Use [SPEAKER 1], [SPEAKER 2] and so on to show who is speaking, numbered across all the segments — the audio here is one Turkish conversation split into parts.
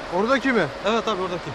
[SPEAKER 1] Oradaki mi?
[SPEAKER 2] Evet abi oradaki.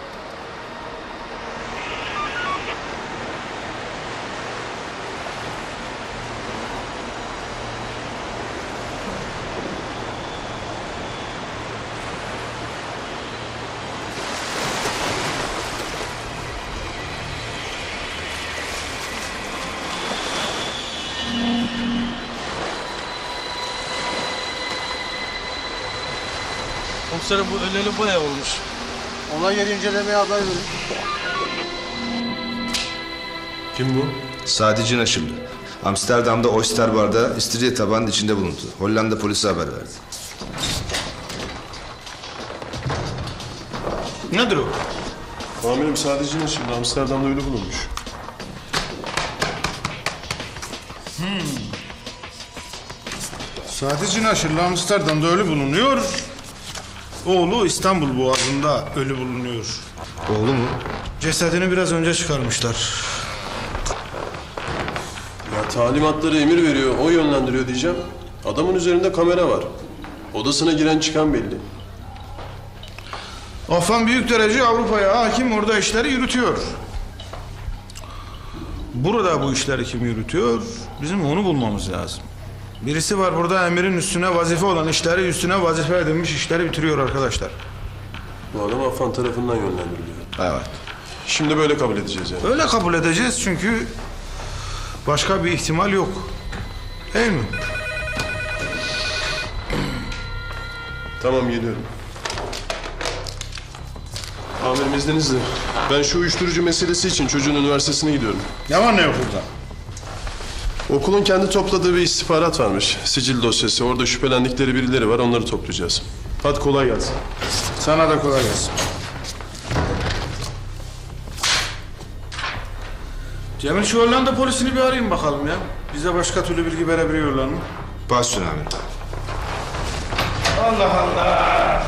[SPEAKER 2] Komiserim bu öleli bayağı olmuş.
[SPEAKER 1] Olay yeri incelemeye haber verin.
[SPEAKER 3] Kim bu?
[SPEAKER 4] Sadi Naşırlı. Amsterdam'da Oyster Bar'da istiridye tabağının içinde bulundu. Hollanda polisi haber verdi.
[SPEAKER 2] Nedir o?
[SPEAKER 3] Amirim sadece şimdi Amsterdam'da ölü bulunmuş.
[SPEAKER 5] Sadece Naşırlı Amsterdam'da ölü bulunuyor. Oğlu İstanbul Boğazı'nda ölü bulunuyor.
[SPEAKER 4] Oğlu mu?
[SPEAKER 5] Cesedini biraz önce çıkarmışlar.
[SPEAKER 3] Ya talimatları emir veriyor, o yönlendiriyor diyeceğim. Adamın üzerinde kamera var. Odasına giren çıkan belli.
[SPEAKER 5] Afan büyük derece Avrupa'ya hakim, orada işleri yürütüyor. Burada bu işleri kim yürütüyor? Bizim onu bulmamız lazım. Birisi var burada emirin üstüne vazife olan işleri üstüne vazife edilmiş işleri bitiriyor arkadaşlar.
[SPEAKER 3] Bu adam Affan tarafından yönlendiriliyor.
[SPEAKER 4] Evet.
[SPEAKER 3] Şimdi böyle kabul edeceğiz yani.
[SPEAKER 5] Öyle kabul edeceğiz çünkü başka bir ihtimal yok. Değil mi?
[SPEAKER 3] Tamam geliyorum. Amirim izninizle. Ben şu uyuşturucu meselesi için çocuğun üniversitesine gidiyorum.
[SPEAKER 5] Ne var ne yok burada?
[SPEAKER 3] Okulun kendi topladığı bir istihbarat varmış. Sicil dosyası. Orada şüphelendikleri birileri var. Onları toplayacağız. Hadi kolay gelsin.
[SPEAKER 5] Sana da kolay gelsin. Cemil şu Hollanda polisini bir arayayım bakalım ya. Bize başka türlü bilgi verebiliyorlar mı?
[SPEAKER 4] Baş üstüne amirim.
[SPEAKER 5] Allah Allah!